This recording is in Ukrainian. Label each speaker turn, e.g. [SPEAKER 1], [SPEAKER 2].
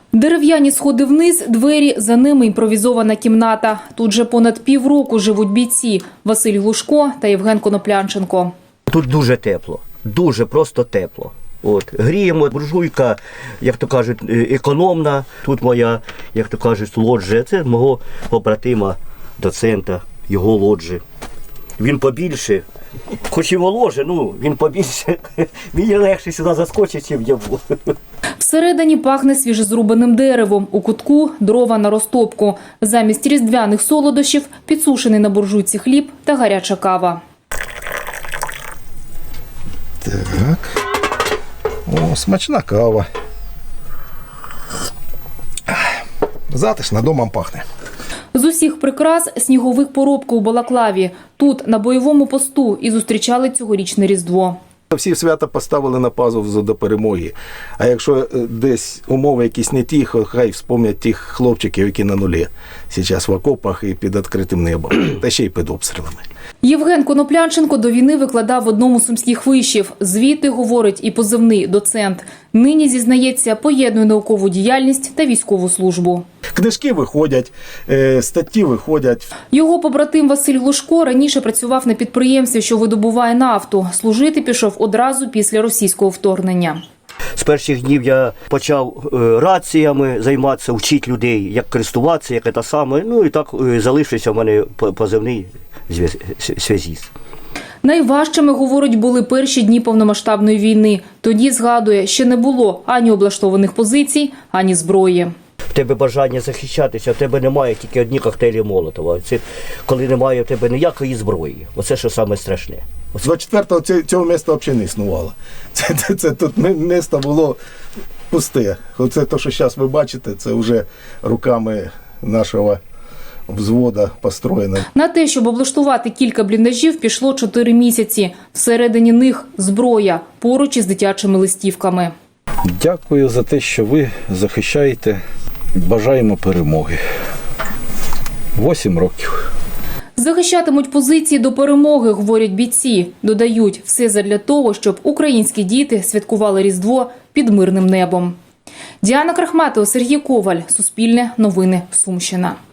[SPEAKER 1] Дерев'яні сходи вниз, двері, за ними імпровізована кімната. Тут же понад півроку живуть бійці Василь Глушко та Євген Коноплянченко.
[SPEAKER 2] Тут дуже тепло, дуже просто тепло. Гріємо, буржуйка, як то кажуть, економна. Тут моя, як то кажуть, лоджія. Це мого побратима, доцента, його лоджі. Він побільше, хоч і воложе, він побільше. Мені легше сюди заскочить, чим я був.
[SPEAKER 1] Всередині пахне свіжезрубаним деревом, у кутку – дрова на розтопку. Замість різдвяних солодощів – підсушений на буржуйці хліб та гаряча кава.
[SPEAKER 3] Так. О, смачна кава. Затишно, домом пахне.
[SPEAKER 1] З усіх прикрас – сніговик поробка у Балаклаві. Тут, на бойовому посту, і зустрічали цьогорічне Різдво.
[SPEAKER 3] Всі свята поставили на паузу до перемоги. А якщо десь умови якісь не ті, хай вспомнять тих хлопчиків, які на нулі. Зараз в окопах і під відкритим небом. Та ще й під обстрілами.
[SPEAKER 1] Євген Коноплянченко до війни викладав в одному з сумських вишів. Звідти, говорить, і позивний доцент. Нині, зізнається, поєднує наукову діяльність та військову службу.
[SPEAKER 3] Книжки виходять, статті виходять.
[SPEAKER 1] Його побратим Василь Глушко раніше працював на підприємстві, що видобуває нафту. Служити пішов одразу після російського вторгнення.
[SPEAKER 2] З перших днів я почав раціями займатися, вчити людей, як користуватися, як це саме. І так залишився в мене позивний зв'язіст.
[SPEAKER 1] Найважчими, говорить, були перші дні повномасштабної війни. Тоді, згадує, ще не було ані облаштованих позицій, ані зброї.
[SPEAKER 2] В тебе бажання захищатися, в тебе немає тільки одні коктейлі Молотова. Це коли немає в тебе ніякої зброї. Оце що саме страшне.
[SPEAKER 3] 24-го цього міста взагалі не існувало. Це тут місто було пусте. Оце те, що зараз ви бачите, це вже руками нашого взвода построєно.
[SPEAKER 1] На те, щоб облаштувати кілька бліндажів, пішло 4 місяці. Всередині них зброя, поруч із дитячими листівками.
[SPEAKER 4] Дякую за те, що ви захищаєте. Бажаємо перемоги. 8 років.
[SPEAKER 1] Захищатимуть позиції до перемоги, говорять бійці. Додають, все задля того, щоб українські діти святкували Різдво під мирним небом. Діана Крахматова, Сергій Коваль. Суспільне новини. Сумщина.